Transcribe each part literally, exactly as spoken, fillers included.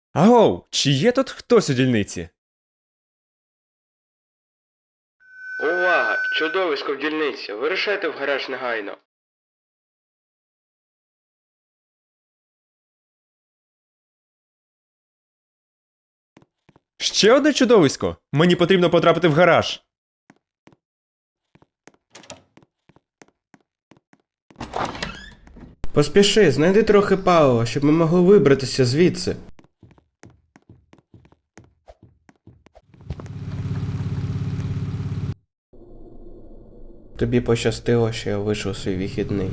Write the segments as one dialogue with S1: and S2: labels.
S1: Агоу, чи є тут хтось у дільниці?
S2: Увага! Чудовисько в дільниці! Вирушайте в гараж негайно!
S1: Ще одне чудовисько? Мені потрібно потрапити в гараж.
S2: Поспіши, знайди трохи палива, щоб ми могли вибратися звідси. Тобі пощастило, що я вийшов свій вихідний.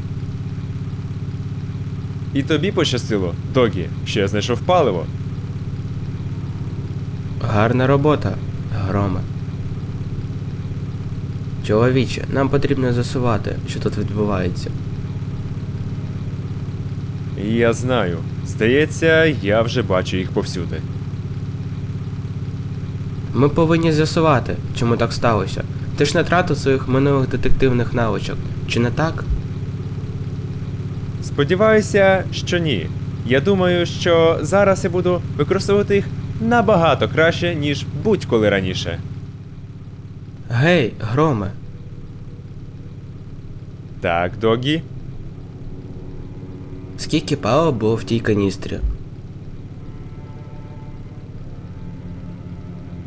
S1: І тобі пощастило, Догі, що я знайшов паливо.
S2: Гарна робота, Громе. Чоловіче, нам потрібно з'ясувати, що тут відбувається.
S1: Я знаю. Здається, я вже бачу їх повсюди.
S2: Ми повинні з'ясувати, чому так сталося. Ти ж не тратив своїх минулих детективних навичок, чи не так?
S1: Сподіваюся, що ні. Я думаю, що зараз я буду використовувати їх набагато краще, ніж будь-коли раніше.
S2: Гей, Громе.
S1: Так, Догі?
S2: Скільки палива було в тій каністрі?